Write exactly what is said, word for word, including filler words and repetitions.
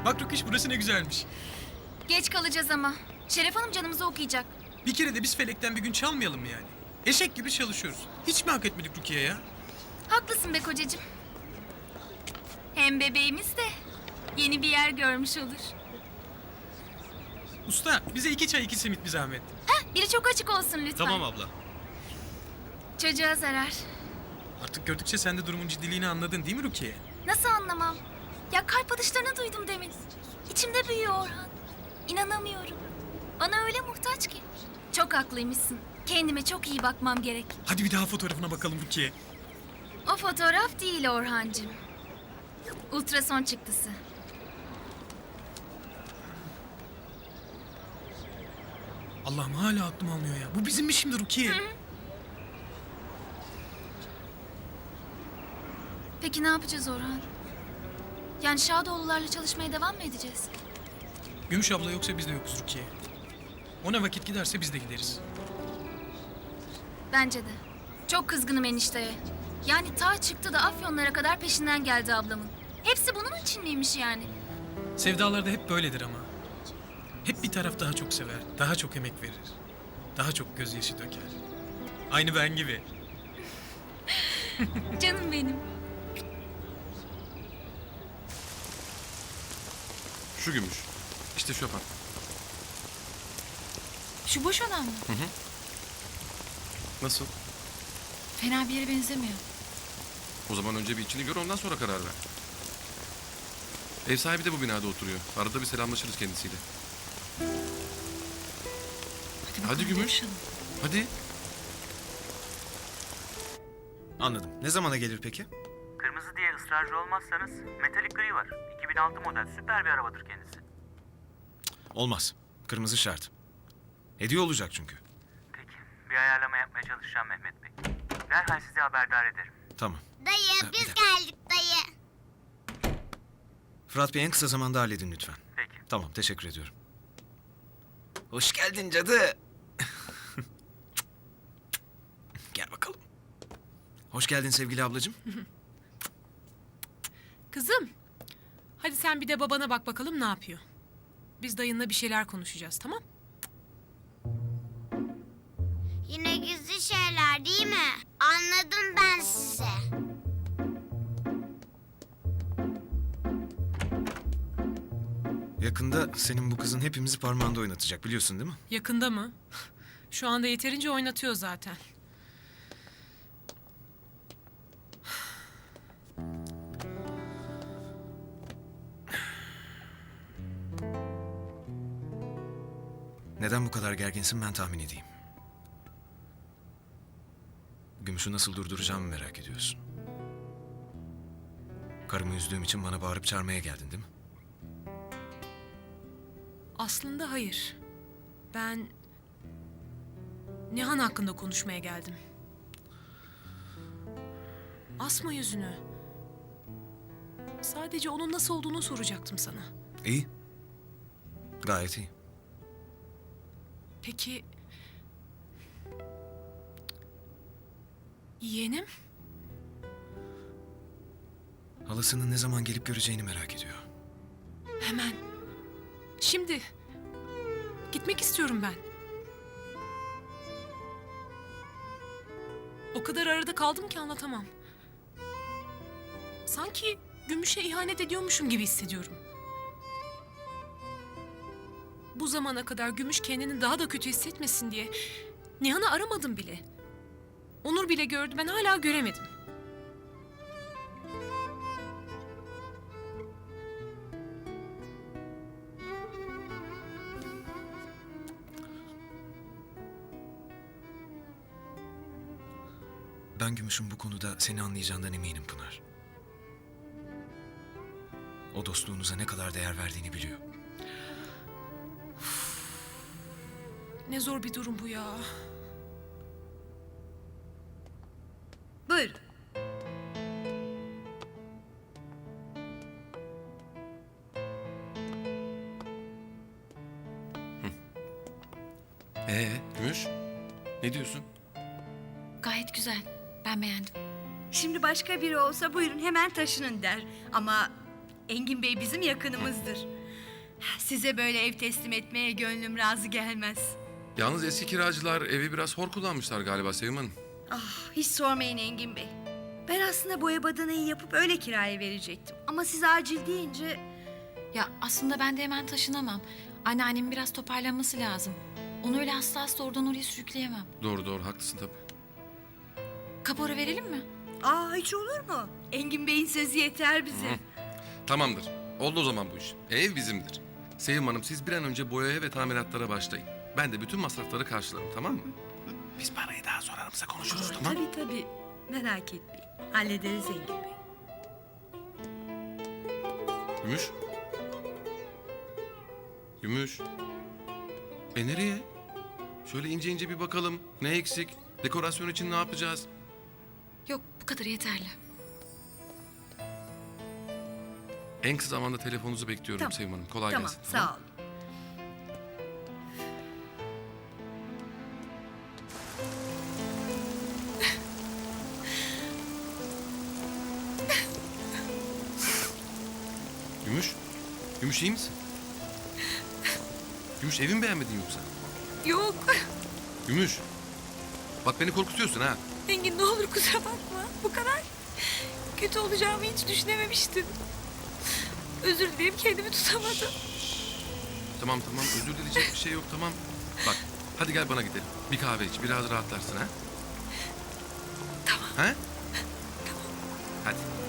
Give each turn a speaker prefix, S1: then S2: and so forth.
S1: Bak Rüküş, burası ne güzelmiş.
S2: Geç kalacağız ama. Şeref Hanım canımızı okuyacak.
S1: Bir kere de biz Felek'ten bir gün çalmayalım mı yani? Eşek gibi çalışıyoruz. Hiç mi hak etmedik Rukiye ya?
S2: Haklısın be kocacığım. Hem bebeğimiz de yeni bir yer görmüş olur.
S1: Usta, bize iki çay iki simit bir zahmet.
S2: Heh, biri çok açık olsun lütfen.
S1: Tamam abla.
S2: Çocuğa zarar.
S1: Artık gördükçe sen de durumun ciddiliğini anladın değil mi Rukiye?
S2: Nasıl anlamam? Ya kalp atışlarını duydum demin. İçimde büyüyor Orhan. İnanamıyorum. Bana öyle muhtaç ki. Çok haklıymışsın. Kendime çok iyi bakmam gerek.
S1: Hadi bir daha fotoğrafına bakalım Rukiye.
S2: O fotoğraf değil Orhancığım. Ultrason çıktısı.
S1: Allah'ım hala aklım almıyor ya. Bu bizim mi şimdi Rukiye?
S2: Peki ne yapacağız Orhan? Yani Şadoğullarla çalışmaya devam mı edeceğiz?
S1: Gümüş abla yoksa biz de yokuz Rukiye. Ona vakit giderse biz de gideriz.
S2: Bence de. Çok kızgınım enişteye. Yani ta çıktı da Afyonlara kadar peşinden geldi ablamın. Hepsi bunun için miymiş yani?
S1: Sevdalarda hep böyledir ama. Hep bir taraf daha çok sever, daha çok emek verir. Daha çok gözyaşı döker. Aynı ben gibi.
S2: Canım benim.
S3: Şu gümüş. İşte Şofan.
S4: Şu boş olan mı?
S3: Nasıl?
S4: Fena bir yere benzemiyor.
S3: O zaman önce bir içini gör, ondan sonra karar ver. Ev sahibi de bu binada oturuyor. Arada bir selamlaşırız kendisiyle.
S4: Hadi,
S3: Hadi
S4: bakalım,
S3: Gümüş.
S4: görüşelim.
S3: Hadi.
S5: Anladım. Ne zamana gelir peki?
S6: Kırmızı diye ısrarcı olmazsanız metalik gri var. iki bin altı model süper bir arabadır kendisi.
S5: Olmaz. Kırmızı şart. Hediye olacak çünkü.
S6: Peki bir ayarlama yapmaya çalışacağım Mehmet Bey. Derhal sizi haberdar ederim.
S5: Tamam.
S7: Dayı
S5: Ha, bir
S7: biz
S5: dakika.
S7: geldik dayı.
S5: Fırat Bey en kısa zamanda halledin lütfen.
S6: Peki.
S5: Tamam, teşekkür ediyorum. Hoş geldin cadı. Gel bakalım. Hoş geldin sevgili ablacığım.
S4: Kızım. Hadi sen bir de babana bak bakalım ne yapıyor. Biz dayınla bir şeyler konuşacağız, tamam?
S7: Yine gizli şeyler değil mi? Anladım ben size.
S5: Yakında senin bu kızın hepimizi parmağında oynatacak, biliyorsun değil mi?
S4: Yakında mı? Şu anda yeterince oynatıyor zaten.
S5: Neden bu kadar gerginsin ben tahmin edeyim. Gümüş'ü nasıl durduracağımı merak ediyorsun. Karımı üzdüğüm için bana bağırıp çağırmaya geldin değil mi?
S4: Aslında hayır. Ben Nihan hakkında konuşmaya geldim. Asma yüzünü. Sadece onun nasıl olduğunu soracaktım sana.
S5: İyi. Gayet iyi.
S4: Peki... Yeğenim?
S5: Halasının ne zaman gelip göreceğini merak ediyor.
S4: Hemen. Şimdi. Gitmek istiyorum ben. O kadar arada kaldım ki anlatamam. Sanki Gümüş'e ihanet ediyormuşum gibi hissediyorum. Bu zamana kadar Gümüş kendini daha da kötü hissetmesin diye Nihan'ı aramadım bile. Onur bile gördü, ben hala göremedim.
S5: Ben Gümüş'ün bu konuda seni anlayacağından eminim Pınar. O dostluğunuza ne kadar değer verdiğini biliyor.
S4: Ne zor bir durum bu ya.
S8: Buyurun.
S3: Ee, Gümüş? Ne diyorsun?
S2: Gayet güzel. Ben beğendim.
S8: Şimdi başka biri olsa buyurun hemen taşının der. Ama Engin Bey bizim yakınımızdır. Size böyle ev teslim etmeye gönlüm razı gelmez.
S3: Yalnız eski kiracılar evi biraz hor kullanmışlar galiba Sevim Hanım.
S8: Ah, hiç sormayın Engin Bey. Ben aslında boya badanayı yapıp öyle kiraya verecektim. Ama siz acil deyince...
S9: Ya aslında ben de hemen taşınamam. Anneannemin biraz toparlanması lazım. Onu öyle hasta hasta oradan oraya sürükleyemem.
S3: Doğru doğru haklısın tabii.
S9: Kapora verelim mi?
S8: Aa, hiç olur mu? Engin Bey'in sözü yeter bize.
S3: Tamamdır. Oldu o zaman bu iş. Ev bizimdir. Sevim Hanım siz bir an önce boyaya ve tamiratlara başlayın. Ben de bütün masrafları karşılarım, tamam mı?
S5: Biz parayı daha sonra aramızda konuşuruz, tamam?
S8: Tabii tabii. Merak etmeyin. Hallederiz Engin Bey.
S3: Gümüş. Gümüş. E nereye? Şöyle ince ince bir bakalım. Ne eksik? Dekorasyon için ne yapacağız?
S9: Yok, bu kadar yeterli.
S3: En kısa zamanda telefonunuzu bekliyorum
S8: Tamam.
S3: Sevim Hanım. Kolay
S8: Tamam,
S3: gelsin.
S8: sağ olun.
S3: Gümüş. Gümüş iyi misin? Gümüş evi mi beğenmedin yoksa?
S4: Yok.
S3: Gümüş. Bak beni korkutuyorsun ha.
S4: Engin ne olur kusura bakma. Bu kadar kötü olacağımı hiç düşünememiştim. Özür dilerim, kendimi tutamadım.
S3: Tamam tamam özür dileyecek bir şey yok tamam. Bak hadi gel bana gidelim. Bir kahve iç biraz rahatlarsın ha.
S4: Tamam.
S3: Ha? Tamam. Hadi.